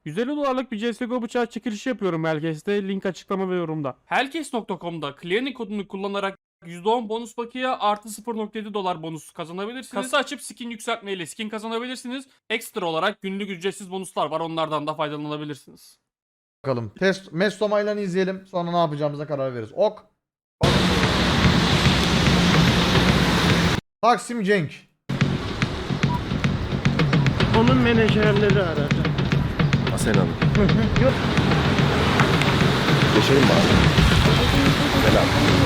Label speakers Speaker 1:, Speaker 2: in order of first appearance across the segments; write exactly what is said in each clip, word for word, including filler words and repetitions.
Speaker 1: yüz elli dolarlık bir C S G O bıçağı çekilişi yapıyorum Hellcase'de. Link açıklama ve yorumda. Hellcase nokta com'da Clearing kodunu kullanarak yüzde on bonus bakiye artı sıfır nokta yedi dolar bonus kazanabilirsiniz. Kasa açıp skin yükseltmeyle skin kazanabilirsiniz. Ekstra olarak günlük ücretsiz bonuslar var. Onlardan da faydalanabilirsiniz.
Speaker 2: Bakalım. Test Mestomaylan'ı izleyelim. Sonra ne yapacağımıza karar veririz. Ok. Taksim Cenk.
Speaker 3: Onun menajerleri aradı.
Speaker 4: Asena Hanım. Geçelim mi abi? Selam.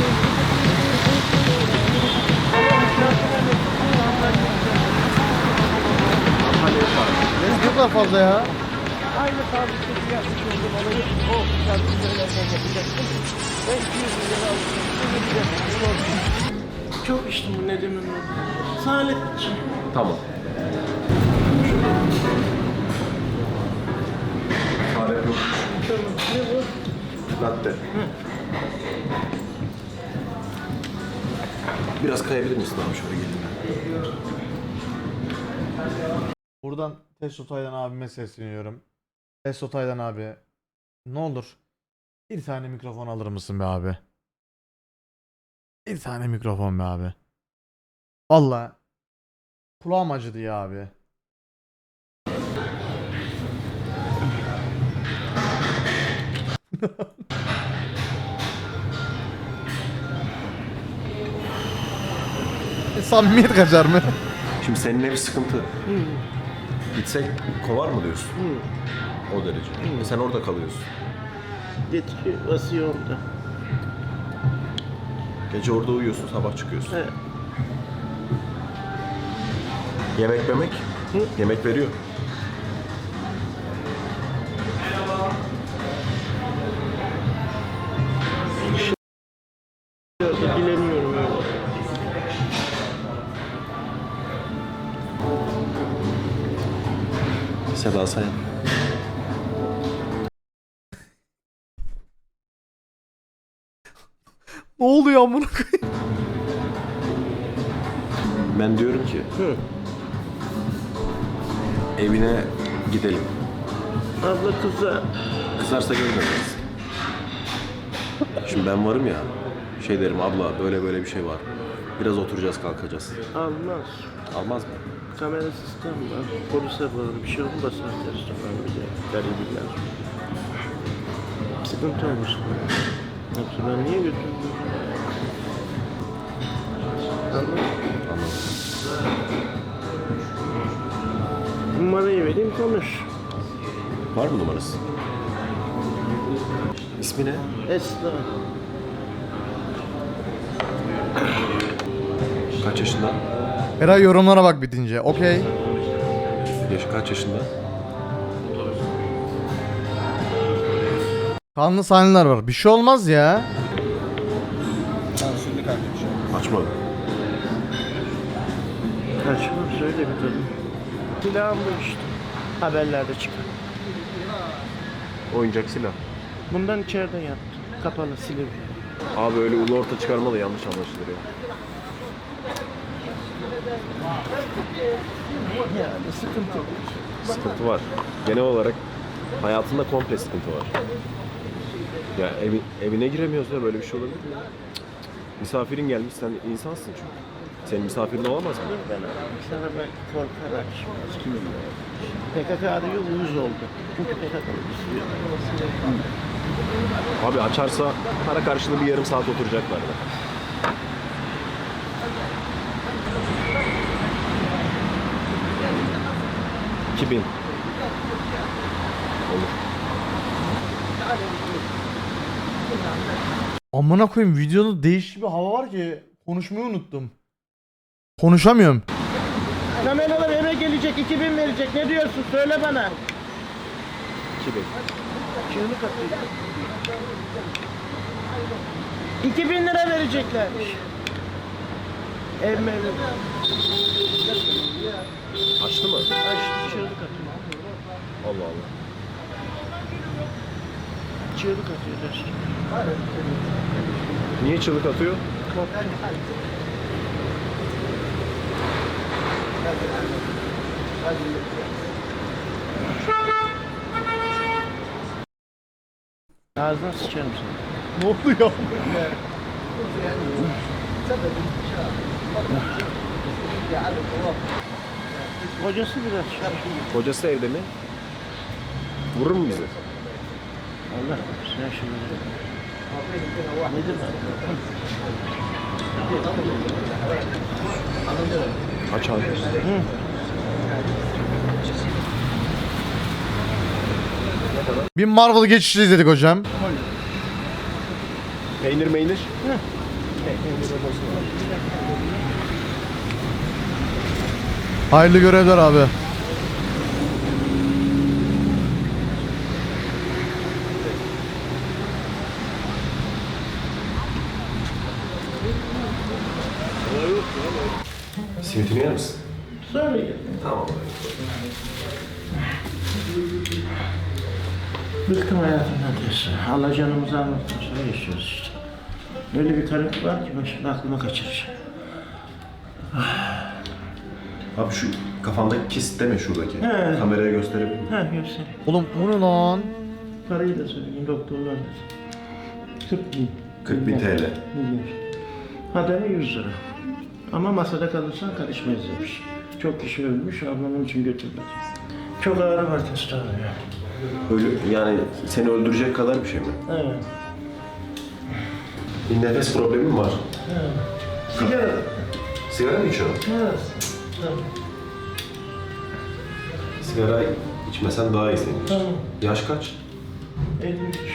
Speaker 2: Ne kadar fazla ya?
Speaker 3: Aynı fabrikası yapmış oldum olayı. O fabrikalarından yapacaktım. Ben iki yüz lira aldım. Çok içtim bu Nedim'in. Salih için.
Speaker 4: Tamam. Fare yok.
Speaker 3: Ne bu?
Speaker 4: Latte. Biraz kayabilir misin abi? Şöyle gelin.
Speaker 2: Buradan Testo Taylan abime sesleniyorum. Testo Taylan abi. Ne olur. Bir tane mikrofon alır mısın be abi? Bir tane mikrofon be abi. Vallahi kulağım acıdı ya abi. E, samimiyet kaçar mı?
Speaker 4: Şimdi seninle bir sıkıntı. Gitsek kovar mı diyorsun? O derece. E sen orada kalıyorsun.
Speaker 3: Yetki basıyor orada.
Speaker 4: Gece orada uyuyorsun, sabah çıkıyorsun.
Speaker 3: Evet.
Speaker 4: Yemek yemek. Yemek veriyor.
Speaker 3: Bilemiyorum öyle.
Speaker 4: Seda Sayan.
Speaker 2: Ne oluyor amına koyayım?
Speaker 4: Ben diyorum ki
Speaker 3: Hı.
Speaker 4: evine gidelim.
Speaker 3: Abla kıza
Speaker 4: Kızarsa görmeyeceğiz. Şimdi ben varım ya, şey derim abla böyle böyle bir şey var. Biraz oturacağız kalkacağız.
Speaker 3: almaz.
Speaker 4: Almaz mı?
Speaker 3: Kamera sistem var. Polise var. Bir şey olmasa restoran bile. Garibiler. Sıkıntı olmuş. Yoksa ben niye götürdüm? Anladın mı?
Speaker 4: Anladım.
Speaker 3: Numarayı vereyim konuş.
Speaker 4: Var mı numarası? İsmi ne?
Speaker 3: Esra.
Speaker 4: Kaç yaşında?
Speaker 2: Eray yorumlara bak bitince. Okey.
Speaker 4: Yaşı kaç yaşında?
Speaker 2: Kanlı sahneler var. Bir şey olmaz ya.
Speaker 4: Açma.
Speaker 3: Kaçmam söyle bir tadım. Silahım bu işte. Haberlerde çıkan.
Speaker 4: Oyuncak silah.
Speaker 3: Bundan içeride yattı. Kapalı Silivri.
Speaker 4: Abi öyle ulu orta çıkarma da yanlış anlaşılır ya.
Speaker 3: Yani sıkıntı yok.
Speaker 4: Sıkıntı var. Genel olarak hayatında komple sıkıntı var. Ya evi, evine giremiyoruz ya, böyle bir şey olabilir mi? Cık, cık. Misafirin gelmiş, sen insansın çünkü. Senin misafirin olamaz mı?
Speaker 3: Ben sana ben korkarak şimdi. P K K arıyor, uyuz oldu. Çünkü P K K istiyor.
Speaker 4: Abi açarsa para karşılığı bir yarım saat oturacaklar da. iki bin. Olur.
Speaker 2: Amına koyayım videoda değişik bir hava var ki konuşmayı unuttum. Konuşamıyorum.
Speaker 3: Kameralar eve gelecek, iki bin verecek. Ne diyorsun? Söyle bana.
Speaker 4: iki bin.
Speaker 3: Çığlık atıyor. iki bin lira vereceklermiş. Ev mevcut.
Speaker 4: Açtı mı?
Speaker 3: Açtı, çığlık atıyor.
Speaker 4: Allah Allah.
Speaker 3: Çığlık atıyor restoran.
Speaker 4: Niye çığlık atıyor?
Speaker 3: Korktum. Ağzına sıçarım seni.
Speaker 2: Ne oluyor?
Speaker 3: Hocası biraz şarkı.
Speaker 4: Kocası evde mi? Vurur mu bizi?
Speaker 3: Allah sen şimdi. Nedir ben?
Speaker 4: Aç abi.
Speaker 2: Bir Marvel geçişi izledik hocam.
Speaker 4: Peynir meynir.
Speaker 2: Hayırlı görevler abi.
Speaker 4: Simitini yer misin?
Speaker 3: Sonra gel.
Speaker 4: Tamam.
Speaker 3: Bıktım hayatımdan diyorsun. Allah canımızı almaktan sonra yaşıyoruz işte. Öyle bir karım var ki ben şimdi aklıma kaçıracağım.
Speaker 4: Abi şu kafandaki kist deme şuradaki.
Speaker 3: He.
Speaker 4: Kameraya gösterebilir miyim?
Speaker 3: Ha göstereyim.
Speaker 2: Oğlum o ne lan?
Speaker 3: Parayı da söyleyeyim doktorlar da. kırk bin.
Speaker 4: kırk bin T L.
Speaker 3: Milyar. Hademe yüz lira. Ama masada kalırsan karışmayız demiş. Çok kişi ölmüş, ablamın için götürmedi. Çok ağrı var testosteron ya.
Speaker 4: Öyle yani seni öldürecek kadar bir şey mi?
Speaker 3: Evet.
Speaker 4: Bir nefes problemin var.
Speaker 3: Evet. Sigara.
Speaker 4: Sigara mı içiyorsun?
Speaker 3: Evet. Tamam.
Speaker 4: Sigara içmesen daha iyi senin.
Speaker 3: Tamam.
Speaker 4: Yaş kaç?
Speaker 3: elli üç.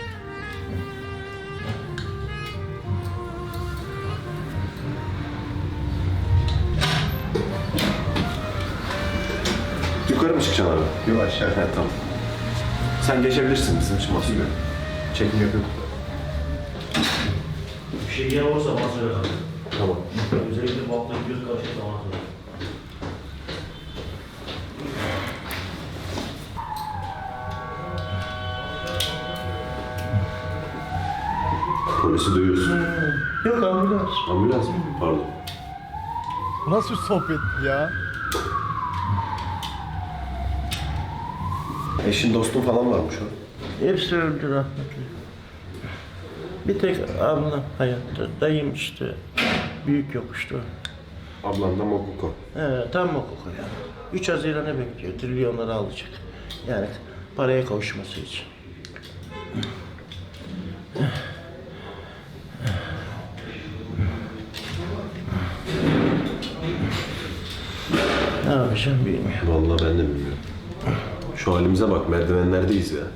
Speaker 4: Yukarı mı çıkacaksın abi? Yok aşağı. He, tamam. Sen geçebilirsin bizim için masaya. Çekim yapıyorum.
Speaker 5: Bir şey gelen olursa bana söyle abi.
Speaker 4: Tamam.
Speaker 5: Özellikle bu hafta göz karışırsa bana söyle.
Speaker 4: Polisi duyuyorsun.
Speaker 3: Yok ambulans.
Speaker 4: Ambulans mı? Pardon.
Speaker 2: Bu nasıl bir sohbet ya?
Speaker 4: Eşin dostun falan varmış o.
Speaker 3: Hepsi öldü rahmetli. Bir tek ablam hayatta. Dayım işte. Büyük yokuştu.
Speaker 4: Ablan da Mokuko.
Speaker 3: He, tam hukuk yani. üç Haziran'ı bekliyor. Trilyonları alacak. Yani paraya kavuşması için. Ne yapacağım bilmiyorum.
Speaker 4: Vallahi ben de bilmiyorum. Şu halimize bak, merdivenlerdeyiz ya.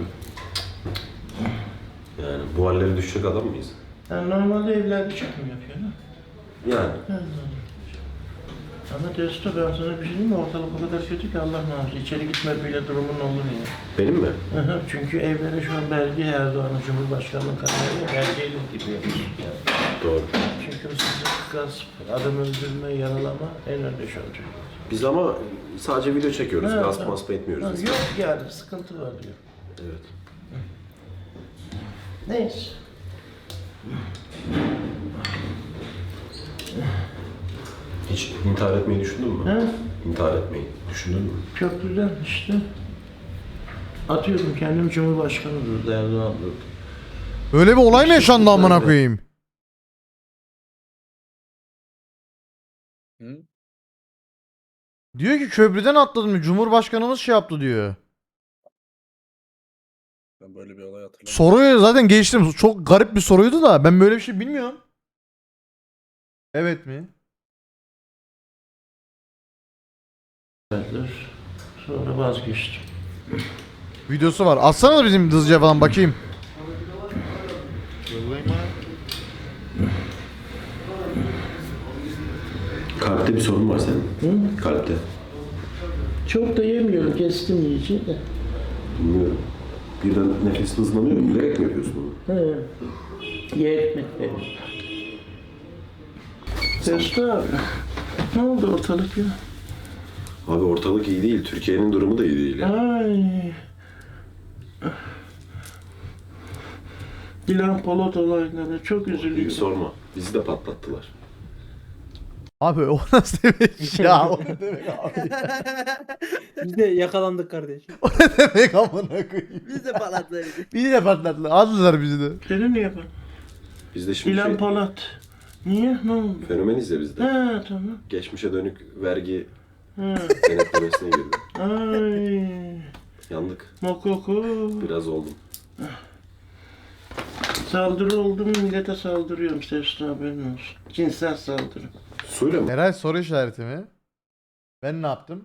Speaker 4: Yani bu hallere düşecek adam mıyız?
Speaker 3: Yani normalde evlerde çekim yapıyor ha?
Speaker 4: Yani.
Speaker 3: Ama Testo ben sana bir şey diyeyim mi? Ortalık o kadar kötü ki Allah muhafaza. İçeri gitme bile durumun olur ya.
Speaker 4: Benim mi?
Speaker 3: Aha, çünkü evlere şu an belge Erdoğan'ın Cumhurbaşkanlığı kararıyla belgeyle gidiyor. Yani.
Speaker 4: Doğru.
Speaker 3: Çünkü hırsızlık, gasp, adam öldürme, yaralama en önde şu an Türkiye'de.
Speaker 4: Biz ama sadece video çekiyoruz.
Speaker 3: Ha,
Speaker 4: Gasp
Speaker 3: ha.
Speaker 4: masp etmiyoruz.
Speaker 3: Ha,
Speaker 4: biz.
Speaker 3: yok yani sıkıntı var diyor.
Speaker 4: Evet.
Speaker 3: Neyse.
Speaker 4: Hiç intihar etmeyi düşündün mü?
Speaker 3: Ha?
Speaker 4: İntihar etmeyi düşündün mü?
Speaker 3: Çok güzel işte. Atıyordum kendimi Cumhurbaşkanı durdu Erdoğan durdu.
Speaker 2: Öyle bir olay mı yaşandı amına koyayım? Diyor ki köprüden atladım. Cumhurbaşkanımız şey yaptı diyor.
Speaker 6: Ben böyle bir olay hatırlamıyorum.
Speaker 2: Soruyu zaten geçtim. Çok garip bir soruydu da ben böyle bir şey bilmiyorum. Evet mi?
Speaker 3: Verdiler. Sonra vazgeçtim.
Speaker 2: Videosu var. Atsana da bizim hızlıca falan bakayım.
Speaker 4: Kalpte bir sorun var senin.
Speaker 3: Hı?
Speaker 4: Kalpte.
Speaker 3: Çok da yemiyorum, kestim yiyeceği de.
Speaker 4: Bilmiyorum. Birden nefesin hızlanıyor. Bilerek mi yapıyorsun bunu?
Speaker 3: He. Ye ekmek verin. Testo abi. Ne oldu ortalık ya?
Speaker 4: Abi ortalık iyi değil. Türkiye'nin durumu da iyi değil. Ya.
Speaker 3: Ay. Dilan Polat olayları çok
Speaker 4: Hiç
Speaker 3: üzülüyorum.
Speaker 4: sorma. Bizi de patlattılar.
Speaker 2: Abi o nasıl demek ya? O ne demek abi?
Speaker 6: Biz de yakalandık kardeşim.
Speaker 2: O ne demek amına koyayım?
Speaker 7: Biz de palatları.
Speaker 2: Bizi de patlattılar. Aldılar bizi de.
Speaker 3: Seni niye yapar?
Speaker 4: Biz de şimdi
Speaker 3: İlan
Speaker 4: şey,
Speaker 3: Polat. Niye? Ne oldu?
Speaker 4: fenomeniz ya biz de.
Speaker 3: Ha tamam.
Speaker 4: Geçmişe dönük vergi
Speaker 3: Ha.
Speaker 4: denetlemesine girdik.
Speaker 3: Ay.
Speaker 4: Yandık.
Speaker 3: Mokoko.
Speaker 4: Biraz oldum.
Speaker 3: Saldırı oldu mu millete saldırıyorum. Sesli haberin olsun. Cinsel saldırı.
Speaker 4: Suyla mı?
Speaker 2: Eray soru işareti mi? Ben ne yaptım?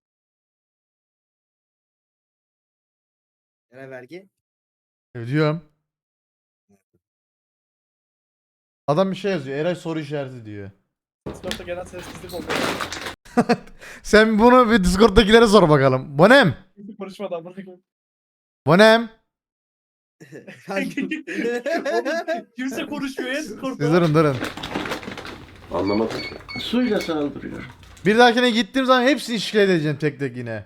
Speaker 7: Yine vergi.
Speaker 2: Ödüyorum. Adam bir şey yazıyor. Eray soru işareti diyor.
Speaker 6: Discord'da genel sessizlik oldu.
Speaker 2: Sen bunu bir Discord'dakilere sor bakalım. Bonem.
Speaker 6: Kimse konuşmadan bırakın.
Speaker 2: Bonem.
Speaker 6: Kimse konuşmuyor ya
Speaker 2: Siz
Speaker 6: Discord'da.
Speaker 2: durun durun.
Speaker 4: Anlamadım.
Speaker 3: Suyla saldırıyor.
Speaker 2: Bir dahakine gittiğim zaman hepsini şikayet edeceğim tek tek yine.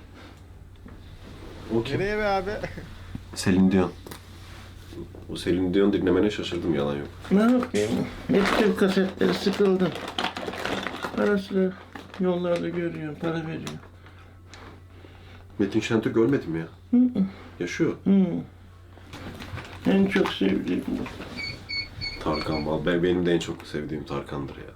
Speaker 4: O kim?
Speaker 7: Nereye be abi?
Speaker 4: Selin Dion. O Selin Dion dinlemene şaşırdım, yalan yok.
Speaker 3: Ne yapayım? Hep kasetleri sıkıldım. Parası yollarda görüyorum. Para veriyor.
Speaker 4: Metin Şentürk ölmedi mi ya? Yaşıyor.
Speaker 3: Hı. En çok sevdiğim bu.
Speaker 4: Tarkan, vallahi ben- benim de en çok sevdiğim Tarkan'dır ya.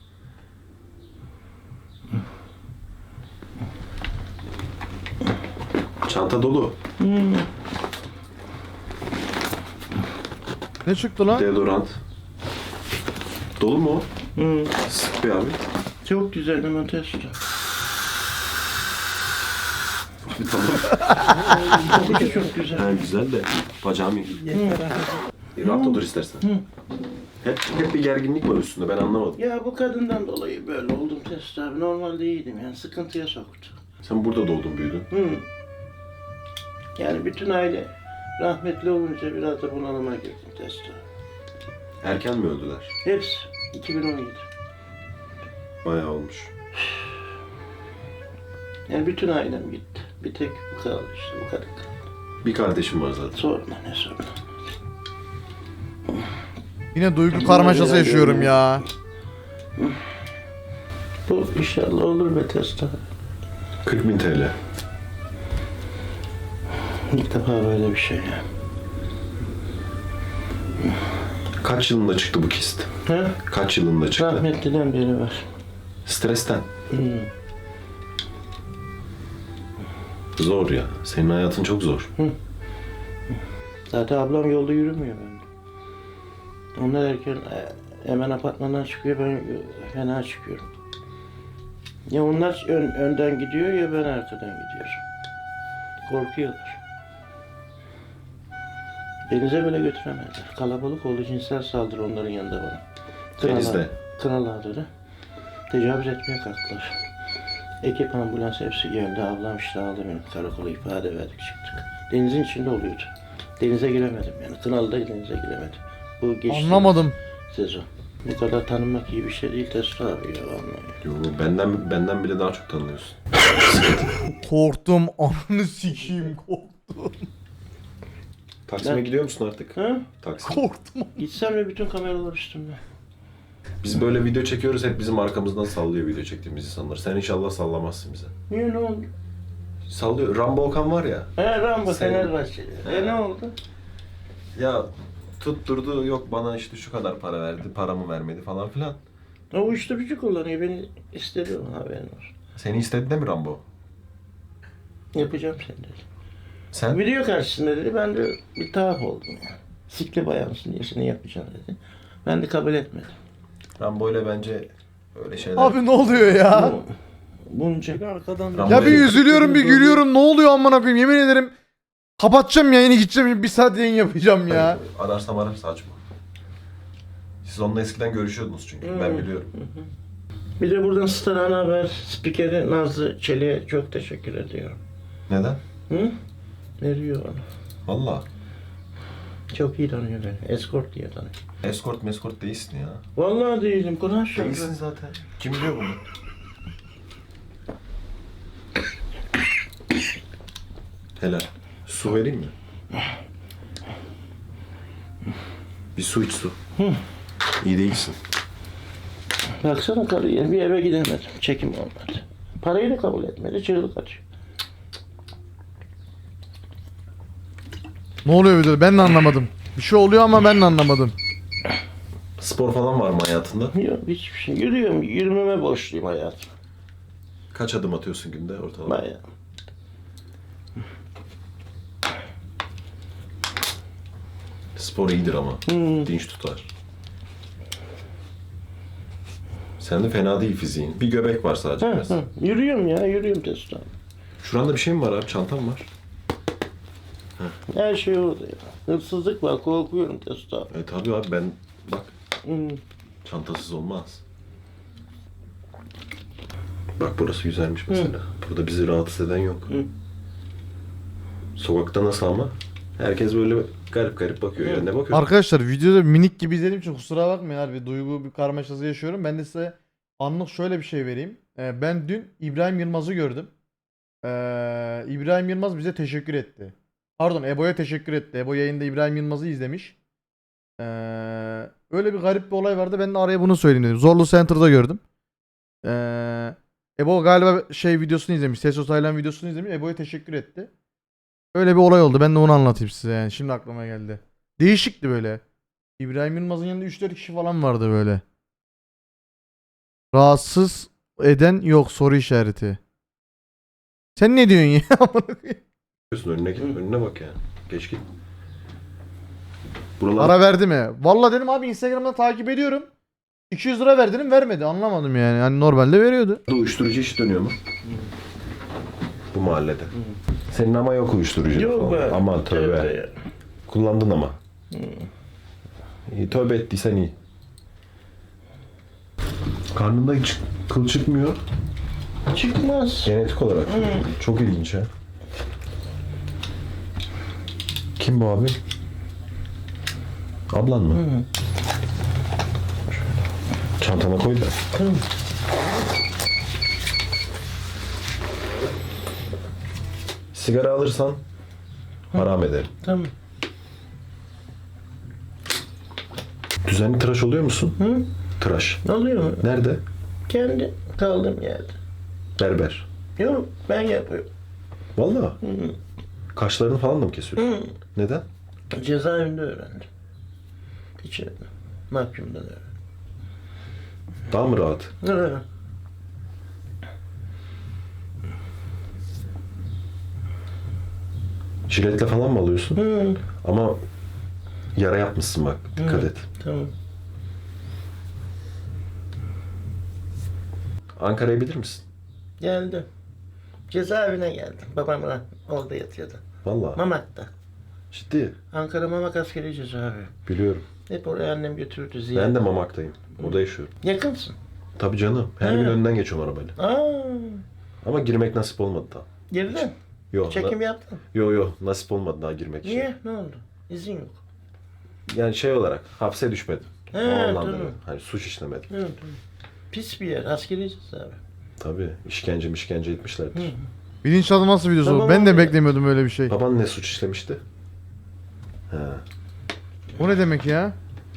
Speaker 4: Çanta dolu.
Speaker 3: Hı.
Speaker 2: Ne çıktı lan?
Speaker 4: Deodorant. Dolu mu o?
Speaker 3: Hı.
Speaker 4: Sık bir abi.
Speaker 3: Çok güzel ama testo.
Speaker 4: Tamam.
Speaker 3: Kokusu çok güzel.
Speaker 4: Ha, güzel de bacağım iyi.
Speaker 3: Hı.
Speaker 4: Rahat otur istersen.
Speaker 3: Hı.
Speaker 4: Hep, hep bir gerginlik var üstünde, ben anlamadım.
Speaker 3: Ya bu kadından dolayı böyle oldum testo abi. Normalde iyiydim yani sıkıntıya soktu.
Speaker 4: Sen burada doğdun büyüdün.
Speaker 3: Hı. Yani bütün aile rahmetli olunca biraz da bunalıma girdim testo.
Speaker 4: Erken mi öldüler?
Speaker 3: Hepsi iki bin on yedi.
Speaker 4: Bayağı olmuş.
Speaker 3: Yani bütün ailem gitti. Bir tek bu kaldı işte bu kadar kaldı.
Speaker 4: Bir kardeşim var zaten.
Speaker 3: Sorma ne sorma.
Speaker 2: Yine duygu karmaşası yaşıyorum ya.
Speaker 3: Bu inşallah olur be testo.
Speaker 4: kırk bin T L.
Speaker 3: İlk defa böyle bir şey ya.
Speaker 4: Kaç yılında çıktı bu kist?
Speaker 3: Ha?
Speaker 4: Kaç yılında çıktı?
Speaker 3: Rahmetliden beri var.
Speaker 4: Stresten.
Speaker 3: Hı.
Speaker 4: Zor ya. Senin hayatın çok zor.
Speaker 3: Zaten ablam yolda yürümüyor bende. Onlar erken e, hemen apartmandan çıkıyor, ben fena çıkıyorum. Ya onlar ön, önden gidiyor ya ben arkadan gidiyorum. Korkuyorlar. Denize bile götüremezler. Kalabalık oldu, cinsel saldırı onların yanında bana.
Speaker 4: Denizde.
Speaker 3: Kral ağları. Tecavüz etmeye kalktılar. Ekip ambulans hepsi geldi. Ablam işte aldı beni. Karakola ifade verdik çıktık. Denizin içinde oluyordu. Denize giremedim yani. Kınalı'da denize giremedim. Bu geçti
Speaker 2: Anlamadım.
Speaker 3: sezon. Bu kadar tanınmak iyi bir şey değil Tesla abi ya vallahi.
Speaker 4: Yo, benden benden bile daha çok tanıyorsun.
Speaker 2: Korktum. Ananı sikeyim korktum.
Speaker 4: Taksim'e
Speaker 3: Ben-
Speaker 4: gidiyor musun artık?
Speaker 3: Ha?
Speaker 4: Taksim.
Speaker 2: Korktum.
Speaker 3: Gitsem de bütün kameralar üstümde.
Speaker 4: Biz böyle video çekiyoruz, hep bizim arkamızdan sallıyor video çektiğimiz insanlar. Sen inşallah sallamazsın bize.
Speaker 3: Niye ne oldu?
Speaker 4: Sallıyor. Rambo Okan var ya.
Speaker 3: He Rambo
Speaker 4: Sen-
Speaker 3: Fenerbahçeli. E ne oldu?
Speaker 4: Ya tutturdu, yok bana işte şu kadar para verdi, paramı vermedi falan filan.
Speaker 3: O uyuşturucu kullanıyor. Beni istedi o haberin olsun.
Speaker 4: Seni istedi de mi Rambo?
Speaker 3: Yapacağım seni dedi.
Speaker 4: Sen?
Speaker 3: Video karşısında dedi. Ben de bir tuhaf oldum yani. Sikli bayansın diye seni yapacağım dedi. Ben de kabul etmedim.
Speaker 4: Rambo ile bence öyle şeyler...
Speaker 2: Abi ne oluyor ya?
Speaker 3: Bu- Bunca
Speaker 6: Arkadan
Speaker 4: Rambo-
Speaker 2: Ya bir üzülüyorum bir gülüyorum. Ne oluyor amına koyayım? Yemin ederim. Kapatacağım yayını gideceğim. Bir saat yayın yapacağım ya.
Speaker 4: Ararsam arar, saçma. Siz onunla eskiden görüşüyordunuz çünkü, ben
Speaker 3: Hmm.
Speaker 4: biliyorum.
Speaker 3: Bir de buradan Star Ana Haber spikeri Nazlı Çelik'e çok teşekkür ediyorum.
Speaker 4: Neden?
Speaker 3: Hı? Veriyor bana.
Speaker 4: Valla.
Speaker 3: Çok iyi tanıyor beni. Escort diye tanıyor.
Speaker 4: Escort meskort değilsin ya.
Speaker 3: Vallahi değilim. Kur'an şarkı.
Speaker 4: Değilsin zaten. Kim biliyor bunu? Helal. Su vereyim mi? Bir su iç su. İyi değilsin.
Speaker 3: Baksana karıya bir eve gidemedim. Çekim olmadı. Parayı da kabul etmedi. Çığlık atıyor.
Speaker 2: Ne oluyor videoda? Ben de anlamadım. Bir şey oluyor ama ben de anlamadım.
Speaker 4: Spor falan var mı hayatında?
Speaker 3: Yok hiçbir şey. Yürüyorum. Yürümeme borçluyum hayatım.
Speaker 4: Kaç adım atıyorsun günde ortalama?
Speaker 3: Bayağı.
Speaker 4: Spor iyidir ama.
Speaker 3: Hmm.
Speaker 4: Dinç tutar. Sende fena değil fiziğin. Bir göbek var sadece.
Speaker 3: Hı,
Speaker 4: biraz.
Speaker 3: hı. Yürüyorum ya. Yürüyorum Testo.
Speaker 4: Şuranda bir şey mi var abi? Çantam var.
Speaker 3: Her şey orada ya. Hırsızlık var. Korkuyorum Testo.
Speaker 4: E tabii abi ben bak
Speaker 3: Hmm.
Speaker 4: çantasız olmaz. Bak burası güzelmiş mesela. Burada bizi rahatsız eden yok.
Speaker 3: Hı.
Speaker 4: Sokakta nasıl ama? Herkes böyle garip garip bakıyor ya. Ne bakıyor?
Speaker 2: Arkadaşlar videoda minik gibi izlediğim için kusura bakmayın harbi. Duygu bir karmaşası yaşıyorum. Ben de size anlık şöyle bir şey vereyim. Ee, ben dün İbrahim Yılmaz'ı gördüm. Ee, İbrahim Yılmaz bize teşekkür etti. Pardon, Ebo'ya teşekkür etti. Ebo yayında İbrahim Yılmaz'ı izlemiş. Ee, öyle bir garip bir olay vardı. Ben de araya bunu söyleyeyim dedim. Zorlu Center'da gördüm. Ee, Ebo galiba şey videosunu izlemiş. Tesos Taylan videosunu izlemiş. Ebo'ya teşekkür etti. Öyle bir olay oldu. Ben de onu anlatayım size yani. Şimdi aklıma geldi. Değişikti böyle. İbrahim Yılmaz'ın yanında üç dört kişi falan vardı böyle. Rahatsız eden yok soru işareti. Sen ne diyorsun ya?
Speaker 4: Bakıyorsun önüne git. Önüne bak ya. Geç git. Buralar
Speaker 2: Ara verdi mi? Vallahi dedim abi Instagram'da takip ediyorum. iki yüz lira ver dedim, vermedi. Anlamadım yani. Hani normalde veriyordu.
Speaker 4: uyuşturucu iş dönüyor mu? Bu mahallede. Senin ama yok uyuşturucu.
Speaker 3: Yok be.
Speaker 4: Aman tövbe.
Speaker 3: Tövbe ya.
Speaker 4: Kullandın ama. İyi, tövbe ettiysen iyi. Karnında hiç kıl çıkmıyor.
Speaker 3: Çıkmaz.
Speaker 4: Genetik olarak. Çok ilginç ha. Kim bu abi? Ablan mı?
Speaker 3: Hı.
Speaker 4: Çantana koy da.
Speaker 3: Tamam.
Speaker 4: Sigara alırsan haram ederim.
Speaker 3: Tamam.
Speaker 4: Düzenli tıraş oluyor musun?
Speaker 3: Hı?
Speaker 4: Tıraş.
Speaker 3: Ne oluyor mu?
Speaker 4: Nerede?
Speaker 3: Kendi kaldığım yerde.
Speaker 4: Berber.
Speaker 3: Yok ben yapıyorum.
Speaker 4: Vallahi.
Speaker 3: Hı.
Speaker 4: Kaşlarını falan da mı kesiyorsun?
Speaker 3: Hı.
Speaker 4: Neden?
Speaker 3: Cezaevinde öğrendim. İçeride. Mahkumdan öğrendim.
Speaker 4: Daha mı rahat?
Speaker 3: Hı.
Speaker 4: Jiletle falan mı alıyorsun?
Speaker 3: Hı.
Speaker 4: Ama yara yapmışsın bak. Dikkat
Speaker 3: Hı.
Speaker 4: et.
Speaker 3: Tamam.
Speaker 4: Ankara'ya bilir misin?
Speaker 3: Geldim. Cezaevine geldim. Babam orada yatıyordu.
Speaker 4: Vallahi.
Speaker 3: Mamak'ta.
Speaker 4: Ciddi.
Speaker 3: Ankara Mamak askeri cezaevi.
Speaker 4: Biliyorum.
Speaker 3: Hep oraya annem götürdü ziyaret.
Speaker 4: Ben de Mamak'tayım. Orada yaşıyorum.
Speaker 3: Yakınsın.
Speaker 4: Tabii canım. Her
Speaker 3: He.
Speaker 4: gün önünden geçiyorum arabayla.
Speaker 3: Aa,
Speaker 4: Ama girmek nasip olmadı daha.
Speaker 3: girdin.
Speaker 4: Yok.
Speaker 3: Çekim
Speaker 4: na-
Speaker 3: yaptın.
Speaker 4: Yo yo nasip olmadı daha girmek için.
Speaker 3: Niye? Ne oldu? İzin yok.
Speaker 4: Yani şey olarak hapse düşmedim.
Speaker 3: He,
Speaker 4: o anlamda.
Speaker 3: tamam.
Speaker 4: böyle. Hani suç işlemedim.
Speaker 3: Evet, evet. Pis bir yer. Askeri cezaevi.
Speaker 4: Tabii işkence işkence etmişlerdir.
Speaker 3: Hı.
Speaker 2: Bilinçaltı nasıl videosu bu?
Speaker 3: Tamam
Speaker 2: Ben de
Speaker 3: abi.
Speaker 2: beklemiyordum öyle bir şey.
Speaker 4: Baban ne suç işlemişti? He.
Speaker 2: O ne demek ya?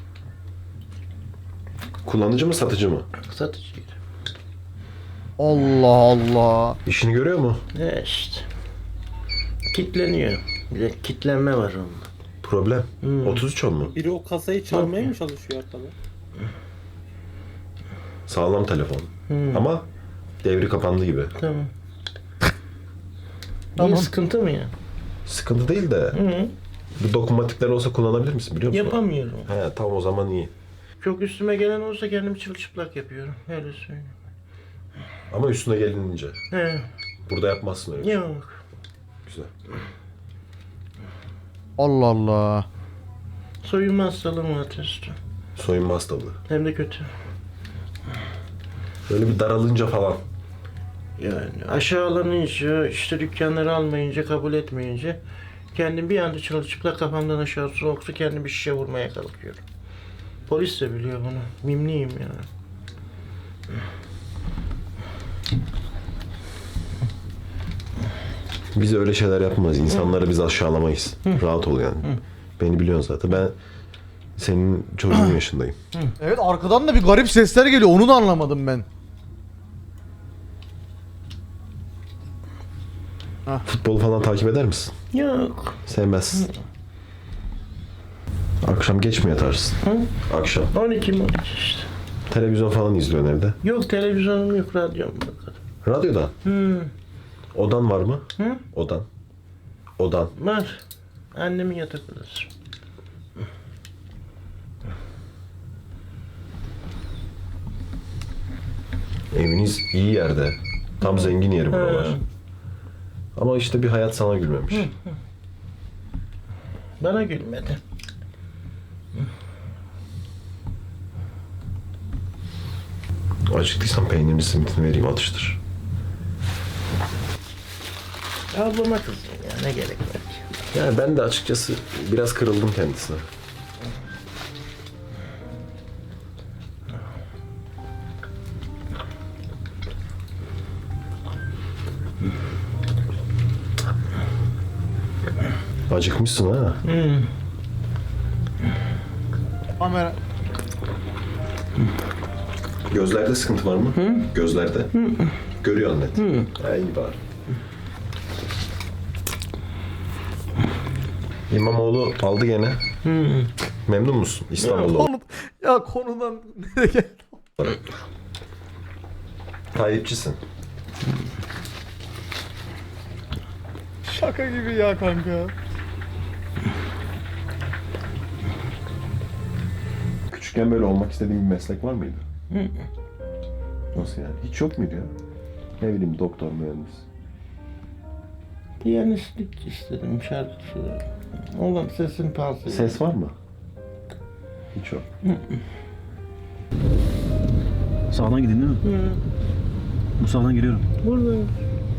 Speaker 4: Kullanıcı mı satıcı mı?
Speaker 3: Satıcıydı.
Speaker 2: Allah Allah.
Speaker 4: İşini görüyor mu?
Speaker 3: Ne işte. Kitleniyor. Bir de kitlenme var onda.
Speaker 4: Problem.
Speaker 3: Hmm.
Speaker 4: otuz üç on mu?
Speaker 6: Biri o kasayı çalmaya mı çalışıyor arkada?
Speaker 4: Sağlam telefon.
Speaker 3: Hmm.
Speaker 4: Ama devri kapandı gibi.
Speaker 3: Tamam.
Speaker 2: Tamam.
Speaker 3: Niye sıkıntı mı ya?
Speaker 4: Sıkıntı değil de
Speaker 3: Hı.
Speaker 4: bu dokunmatikler olsa kullanabilir misin biliyor musun?
Speaker 3: Yapamıyorum.
Speaker 4: He tamam o zaman iyi.
Speaker 3: Çok üstüme gelen olsa kendimi çırılçıplak yapıyorum. Öyle söyleyeyim.
Speaker 4: Ama üstüne gelinince.
Speaker 3: He.
Speaker 4: Burada yapmazsın öyle. bir şey.
Speaker 3: Yok.
Speaker 4: Güzel.
Speaker 2: Allah Allah.
Speaker 3: Soyunma hastalığım var testo.
Speaker 4: Soyunma hastalığı.
Speaker 3: Hem de kötü.
Speaker 4: Böyle bir daralınca falan.
Speaker 3: Yani aşağılanınca, işte dükkanları almayınca, kabul etmeyince kendim bir anda çırılçıplak kafamdan aşağı soğuk su kendim bir şişe vurmaya kalkıyorum. Polis de biliyor bunu. Mimliyim yani.
Speaker 4: Biz öyle şeyler yapmayız. İnsanları biz aşağılamayız. Rahat ol yani. Beni biliyorsun zaten. Ben Senin çocuğun yaşındayım.
Speaker 2: Evet, arkadan da bir garip sesler geliyor. Onu da anlamadım ben.
Speaker 4: Futbolu falan takip eder misin?
Speaker 3: Yok.
Speaker 4: Sevmezsin. Akşam geç mi yatarsın? Akşam.
Speaker 3: on iki on iki işte.
Speaker 4: Televizyon falan izliyorsun evde.
Speaker 3: Yok televizyonum yok, radyom yok.
Speaker 4: Radyoda.
Speaker 3: Hmm.
Speaker 4: Odan var mı?
Speaker 3: Hı?
Speaker 4: Odan. Odan.
Speaker 3: Var. Annemin yatak odası.
Speaker 4: Eviniz iyi yerde. Tam zengin yeri buralar.
Speaker 3: Hı.
Speaker 4: Ama işte bir hayat sana gülmemiş.
Speaker 3: Bana gülmedi.
Speaker 4: Acıktıysan peynirini simitini vereyim atıştır.
Speaker 3: Ablama kızdım ya, ne gerek var ki?
Speaker 4: Yani ben de açıkçası biraz kırıldım kendisine. Acıkmışsın ha.
Speaker 3: Hmm.
Speaker 2: Kamera.
Speaker 4: Gözlerde sıkıntı var mı? Gözlerde. Görüyor net. Ha, iyi bari. İmamoğlu aldı gene. Memnun musun İstanbul'da?
Speaker 2: Konu, ya konudan nereye geldi?
Speaker 4: Tayyipçisin.
Speaker 2: Şaka gibi ya kanka.
Speaker 4: Küçükken böyle olmak istediğin bir meslek var mıydı? Nasıl yani? Hiç yok muydu ya? Ne bileyim doktor, mühendis.
Speaker 3: Piyanistlik istedim, şarkı söyledim. Oğlum sesin palsı.
Speaker 4: Ses var mı? Hiç yok.
Speaker 5: Sağdan gidin değil mi?
Speaker 3: Hı.
Speaker 5: Bu sağdan giriyorum.
Speaker 3: Buradayım.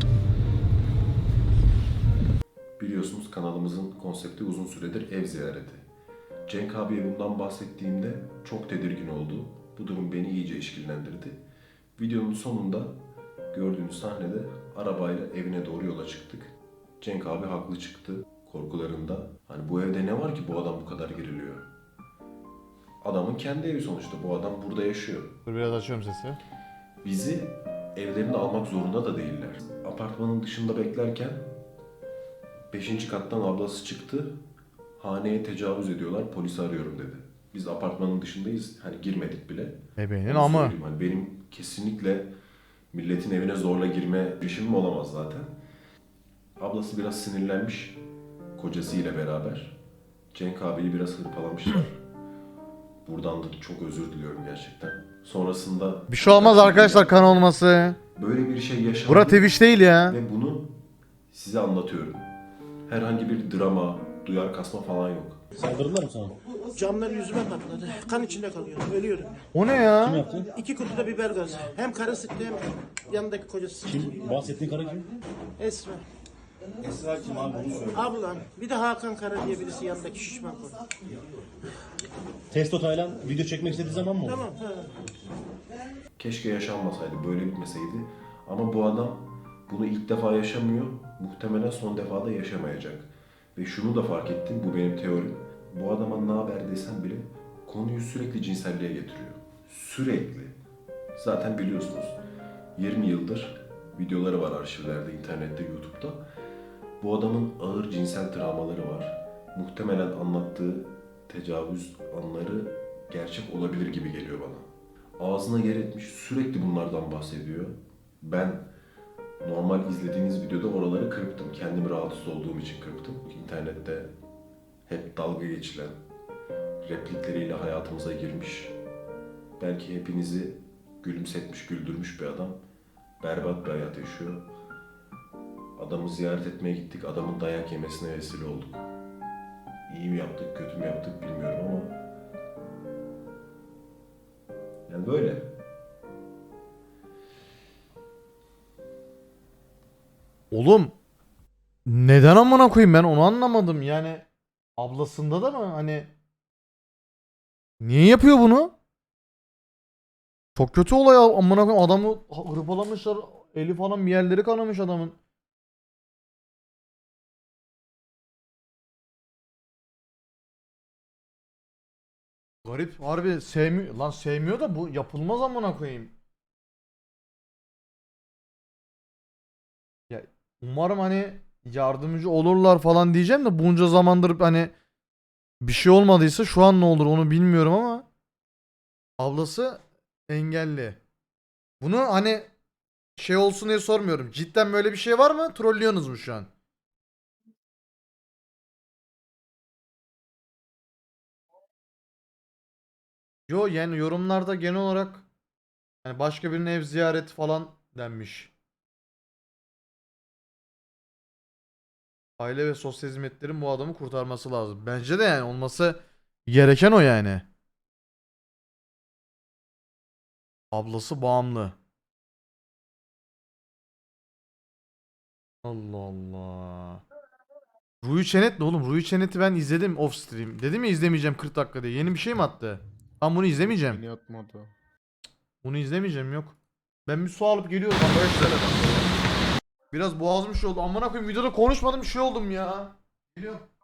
Speaker 4: Biliyorsunuz kanalımızın konsepti uzun süredir ev ziyareti. Cenk abiye bundan bahsettiğimde çok tedirgin oldu. Bu durum beni iyice işkillendirdi. Videonun sonunda gördüğünüz sahnede arabayla evine doğru yola çıktık. Cenk abi haklı çıktı korkularında. Hani bu evde ne var ki bu adam bu kadar geriliyor? Adamın kendi evi sonuçta. Bu adam burada yaşıyor.
Speaker 2: Dur biraz açıyorum sesi.
Speaker 4: Bizi evlerine almak zorunda da değiller. Apartmanın dışında beklerken beşinci kattan ablası çıktı. Haneye tecavüz ediyorlar, polisi arıyorum dedi. Biz apartmanın dışındayız, hani girmedik bile.
Speaker 2: Bebeğinin
Speaker 4: Onu
Speaker 2: amı.
Speaker 4: söyleyeyim, Hani benim kesinlikle milletin evine zorla girme girişimim olamaz zaten. Ablası biraz sinirlenmiş kocasıyla beraber. Cenk abiyi biraz hırpalamışlar. Buradan da çok özür diliyorum gerçekten. Sonrasında...
Speaker 2: Bir şey olmaz arkadaşlar, kan olması.
Speaker 4: Böyle bir şey yaşandı.
Speaker 2: Bura Twitch değil ya.
Speaker 4: Ve bunu size anlatıyorum. Herhangi bir drama, duyar kasma falan yok.
Speaker 5: Saldırdılar mı sana?
Speaker 3: Camlar yüzüme patladı. Kan içinde kalıyorum. Ölüyorum.
Speaker 2: O ne ya?
Speaker 5: Kim yaptı?
Speaker 3: İki kutuda biber gazı. Hem karı sıktı hem yanındaki kocası sıktı.
Speaker 5: Kim? Bahsettiğin karı kim?
Speaker 3: Esra.
Speaker 5: Esra kim abi bunu söyle.
Speaker 3: Ablam. Bir de Hakan Kara diye birisi yanındaki şişman konu.
Speaker 5: Testo Taylan video çekmek istediği zaman mı oldu?
Speaker 3: Tamam. Ha.
Speaker 4: Keşke yaşanmasaydı, böyle bitmeseydi. Ama bu adam bunu ilk defa yaşamıyor, muhtemelen son defa da yaşamayacak. Ve şunu da fark ettim, bu benim teorim. Bu adama ne haber desem bile konuyu sürekli cinselliğe getiriyor. Sürekli. Zaten biliyorsunuz yirmi yıldır videoları var arşivlerde, internette, YouTube'da. Bu adamın ağır cinsel travmaları var. Muhtemelen anlattığı tecavüz anları gerçek olabilir gibi geliyor bana. Ağzına yer etmiş, sürekli bunlardan bahsediyor. Ben normal izlediğiniz videoda oraları kırptım. Kendimi rahatsız olduğum için kırptım. İnternette hep dalga geçilen replikleriyle hayatımıza girmiş. Belki hepinizi gülümsetmiş, güldürmüş bir adam. Berbat bir hayat yaşıyor. Adamı ziyaret etmeye gittik. Adamın dayak yemesine vesile olduk. İyi mi yaptık, kötü mü yaptık bilmiyorum ama yani böyle.
Speaker 2: Oğlum neden amına koyayım, ben onu anlamadım yani. Ablasında da mı hani, niye yapıyor bunu? Çok kötü olay ya, amına koyayım, adamı hırpalamışlar, eli falan bir yerleri kanamış adamın. Garip harbi sevmiyor. Lan sevmiyor da bu yapılmaz amına koyayım. Ya umarım hani yardımcı olurlar falan diyeceğim de bunca zamandır hani bir şey olmadıysa şu an ne olur onu bilmiyorum ama ablası engelli. Bunu hani şey olsun diye sormuyorum. Cidden böyle bir şey var mı? Trollüyorsunuz mu şu an? Yo yani yorumlarda genel olarak hani başka birinin ev ziyareti falan denmiş. Aile ve sosyal hizmetlerin bu adamı kurtarması lazım. Bence de yani olması gereken o yani. Ablası bağımlı. Allah Allah. Ruhi Çenet ne oğlum? Ruhi Çenet'i ben izledim off stream. Dedim ya izlemeyeceğim kırk dakika diye. Yeni bir şey mi attı? Ben bunu izlemeyeceğim.
Speaker 7: Beni atmadı.
Speaker 2: Bunu izlemeyeceğim yok. Ben bir su alıp geliyorum arkadaşlar. Biraz boğazım şey oldu. Amına koyayım videoda konuşmadım bir şey oldum ya. Geliyorum.